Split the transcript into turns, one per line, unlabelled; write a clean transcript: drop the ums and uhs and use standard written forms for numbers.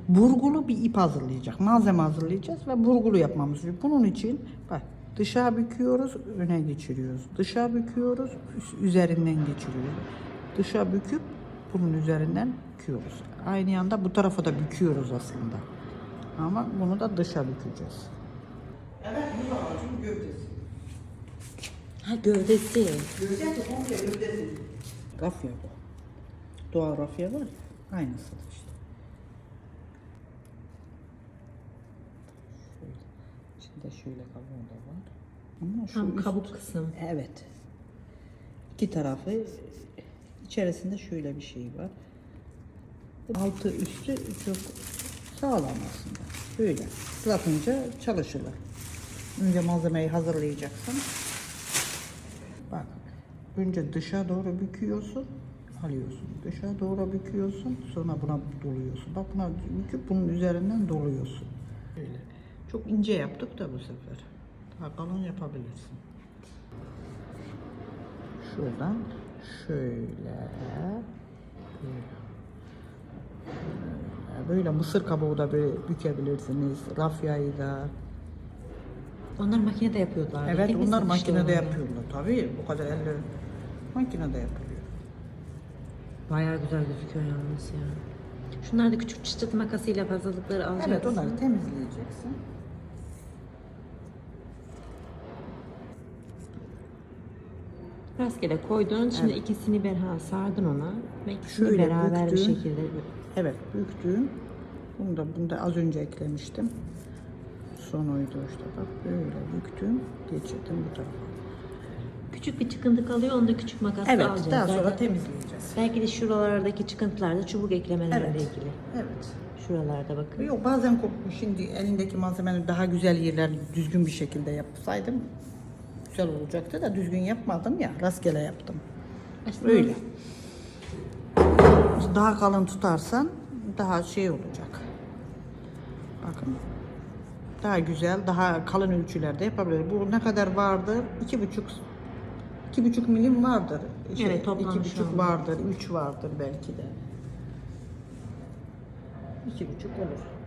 burgulu bir ip hazırlayacak. Malzeme hazırlayacağız ve burgulu yapmamız gerekiyor. Bunun için bak dışa büküyoruz, öne geçiriyoruz. Dışa büküyoruz, üzerinden geçiriyoruz. Dışa büküp bunun üzerinden büküyoruz. Aynı anda bu tarafa da büküyoruz aslında. Ama bunu da dışa bükeceğiz. Evet, bu da ağacın gövdesi.
Ha, gövdesi.
Gövdesi komple gövdesi. Rafya bu. Doğal rafya var ya, aynısı işte. Şöyle. İçinde şöyle kabuğu da var. Ama şu
Tam kabuk kısım.
Evet. İki tarafı içerisinde şöyle bir şey var. Altı üstü çok sağlam aslında. Böyle ıslatınca çalışırlar. Önce malzemeyi hazırlayacaksın. Bak. Önce dışa doğru büküyorsun. Alıyorsun. Dışa doğru büküyorsun. Sonra buna doluyorsun. Bak buna büküp bunun üzerinden doluyorsun. Böyle. Çok ince yaptık da bu sefer. Daha kalın yapabilirsin. Şuradan şöyle. Böyle mısır kabuğu da böyle bükebilirsiniz. Rafyayı da.
Onlar makinede yapıyorlar.
Evet,
değil mi?
onlar
Satışta
makinede
oluyor.
yapıyorlar. Tabii bu kadar elle makinede yapılıyor.
Bayağı güzel gözüküyor yalnız ya. Şunlar da küçük çıtır makasıyla fazlalıkları alacaksın.
Evet, onları temizleyeceksin.
Rastgele koydun. Şimdi
Evet.
ikisini sardın ona. Ve ikisini
Şöyle
beraber bir
büktün.
şekilde.
Evet, büktüm. Bunu da az önce eklemiştim. Son oydu işte bak böyle büktüm, geçirdim bu tarafa.
Küçük bir çıkıntı kalıyor. Onu da küçük makasla
Evet,
alacağız.
daha sonra
Zaten
temizleyeceğiz.
belki de şuralardaki çıkıntılarda çubuk eklemelerle
Evet.
ilgili.
Evet.
Şuralarda bakın.
Yok, bazen şimdi elindeki malzemeleri daha güzel yerler düzgün bir şekilde yapsaydım güzel olacaktı da düzgün yapmadım ya, rastgele yaptım.
Aslında
Böyle. Daha kalın tutarsan daha şey olacak. Bakın. Daha güzel, daha kalın ölçülerde yapabilir. Bu ne kadar vardır? 2,5 milim vardır.
Evet, toplam
2,5 vardır, 3 vardır belki de. 2,5 olur.